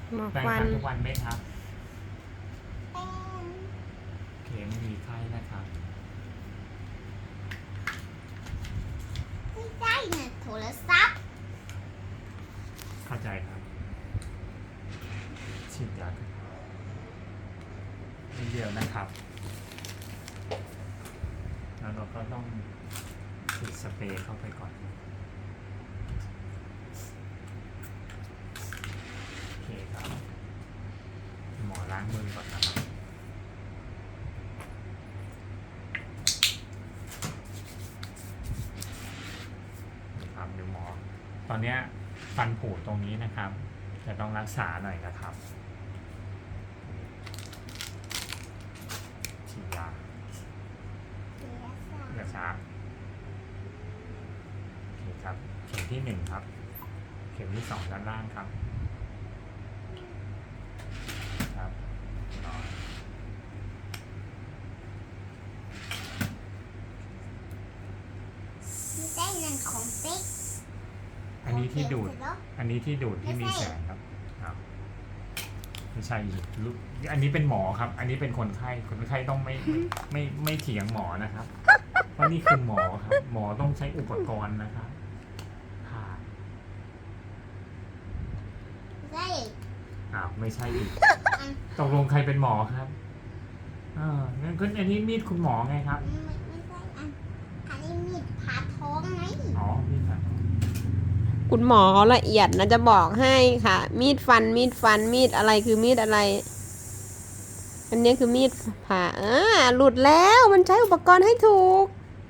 หมอแปรงฟัฟันนทุกวันไหมครับแป้งโอเคไม่มีไข้นะครับไม่ได้นะโทรศัพท์เข้าใจครับฉีดยานิดเดียวนะครับ แล้วเราก็ต้องฉีดสเปรย์เข้าไปก่อนโอเคครับ หมอล้างมือก่อนนะครับครับเดี๋ยวหมอ ตอนเนี้ยฟันผุตรงนี้นะครับ จะต้องรักษาหน่อยนะครับฉีดยาเลือดช้าโอเคครับ เข็มที่1ครับ เข็มที่2ด้านล่างครับ ครับต่อไม่ได้นั่นของเป๊กอันนี้ที่ดูด อันนี้ที่ดูดที่มีแสงครับอ้าวไม่ใช่ลูกอันนี้เป็นหมอครับ อันนี้เป็นคนไข้ คนไข้ต้องไม่เถียงหมอนะครับ เพราะนี่คือหมอครับ หมอต้องใช้อุปกรณ์นะครับผ่าได้อ้าวไม่ใช่อีก ตกลงใครเป็นหมอครับงั้นก็อันนี้มีดคุณหมอไงครับไม่ใช่อันนี้มีดผ่าท้องไหมอ๋อมีดครับคุณหมอเขาละเอียดนะจะบอกให้ค่ะ มีดฟันมีดอะไรคือมีดอะไร อันนี้คือมีดผ่าหลุดแล้วมันใช้อุปกรณ์ให้ถูก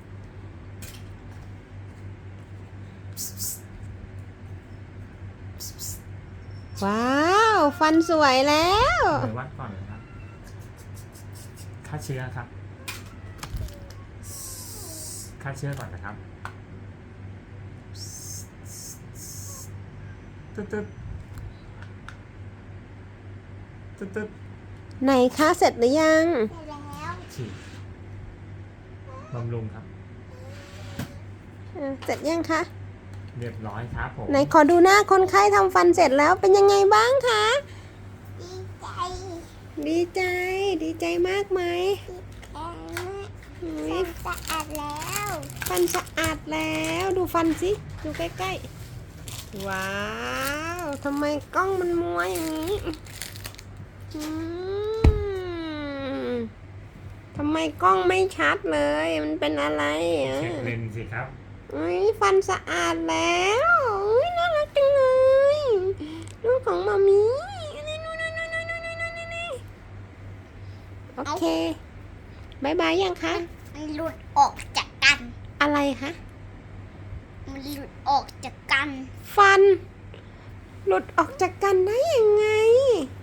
ว้าวฟันสวยแล้วเดี๋ยววัดก่อนนะครับฆ่าเชื้อครับฆ่าเชื้อก่อนนะครับตึ๊ดตึ๊ดตึ๊ดตึ๊ดไหนคะเสร็จหรือยังได้แล้วฉีดบำรุงครับเสร็จยังคะเรียบร้อยครับผมไหนขอดูหน้าคนไข้ทำฟันเสร็จแล้วเป็นยังไงบ้างคะดีใจดีใจ ดีใจมากไหมดีแข็งฟันสะอาดแล้วฟันสะอาดแล้วดูฟันสิดูใกล้ๆว้าวทำไมกล้องมันมัวอย่างนี้อืมทำไมกล้องไม่ชัดเลยมันเป็นอะไรอ่ะเช็คเลนส์สิครับอุ้ยฟันสะอาดแล้วอุ้ยน่ารักจังเลยลูกของมามีโอเคบายบายยังคะมันหลุดออกจากกันอะไรคะมันหลุดออกจากกันฟัน หลุดออกจากกันได้ยังไง